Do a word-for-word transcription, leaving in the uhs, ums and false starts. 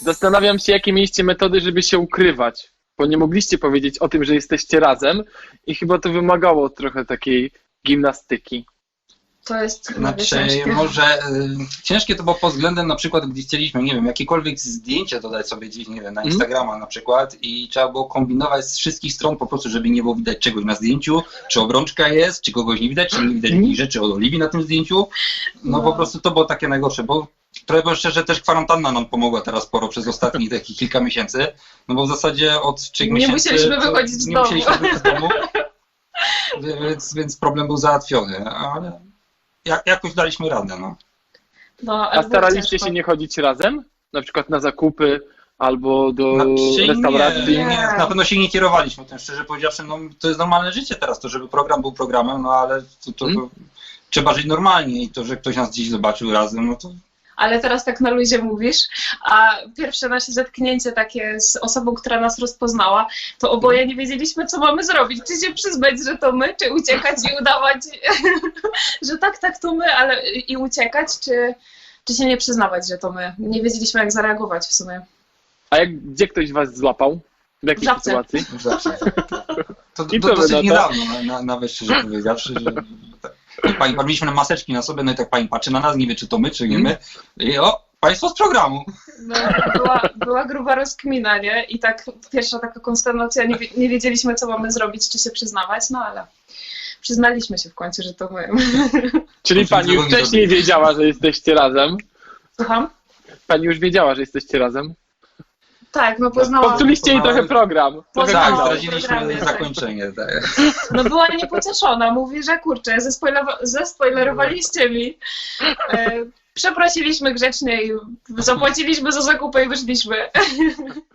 Zastanawiam się, jakie mieliście metody, żeby się ukrywać, bo nie mogliście powiedzieć o tym, że jesteście razem i chyba to wymagało trochę takiej gimnastyki. To jest Znaczy, ciężkie. może y, ciężkie to było pod względem na przykład, gdy chcieliśmy, nie wiem, jakiekolwiek zdjęcie dodać sobie gdzieś, nie wiem, na Instagrama na przykład i trzeba było kombinować z wszystkich stron po prostu, żeby nie było widać czegoś na zdjęciu, czy obrączka jest, czy kogoś nie widać, czy nie widać jakichś rzeczy od Oliwii na tym zdjęciu. No, No. po prostu to było takie najgorsze, bo trochę bo szczerze też kwarantanna nam pomogła teraz sporo przez ostatnich takich kilka miesięcy, no bo w zasadzie od trzech Nie miesięcy musieliśmy to wychodzić z nie domu. musieliśmy wychodzić z domu, więc, więc problem był załatwiony, ale jak, jakoś daliśmy radę, no. No, ale A było staraliście ciężko. się nie chodzić razem? Na przykład na zakupy albo do Znaczy, restauracji? nie, nie, na pewno się nie kierowaliśmy tym, szczerze powiedziawszy, no to jest normalne życie teraz, to żeby program był programem, no ale to, to, Hmm? to trzeba żyć normalnie i to, że ktoś nas gdzieś zobaczył razem, no to Ale teraz tak na luzie mówisz, a pierwsze nasze zetknięcie takie z osobą, która nas rozpoznała, to oboje nie wiedzieliśmy, co mamy zrobić. Czy się przyznać, że to my, czy uciekać i udawać, że tak, tak, to my, ale i uciekać, czy, czy się nie przyznawać, że to my. Nie wiedzieliśmy, jak zareagować w sumie. A jak, gdzie ktoś was złapał? W jakiej W Żabce. sytuacji? zawsze. To, I to, co to wy na dosyć to? niedawno, na, na, nawet szczerze powiedziawszy, że tak. Pani, mieliśmy maseczki na sobie, no i tak pani patrzy na nas, nie wie czy to my, czy nie my. I o, państwo z programu. No, była, była gruba rozkmina, nie? I tak pierwsza taka konsternacja, nie, wie- nie wiedzieliśmy, co mamy zrobić, czy się przyznawać, no ale przyznaliśmy się w końcu, że to my. Czyli Proszę, pani już czego nie wcześniej zrobić. wiedziała, że jesteście razem? Słucham? Pani już wiedziała, że jesteście razem? Tak, no poznałam. Popsuliście jej trochę program. Trochę Poznałam. Tak, kanał. zdradziliśmy Programie, tak. zakończenie. Tak. No była niepocieszona, mówi, że kurczę, zespoilewa- zespoilerowaliście mi. E, przeprosiliśmy grzecznie i zapłaciliśmy za zakupy i wyszliśmy.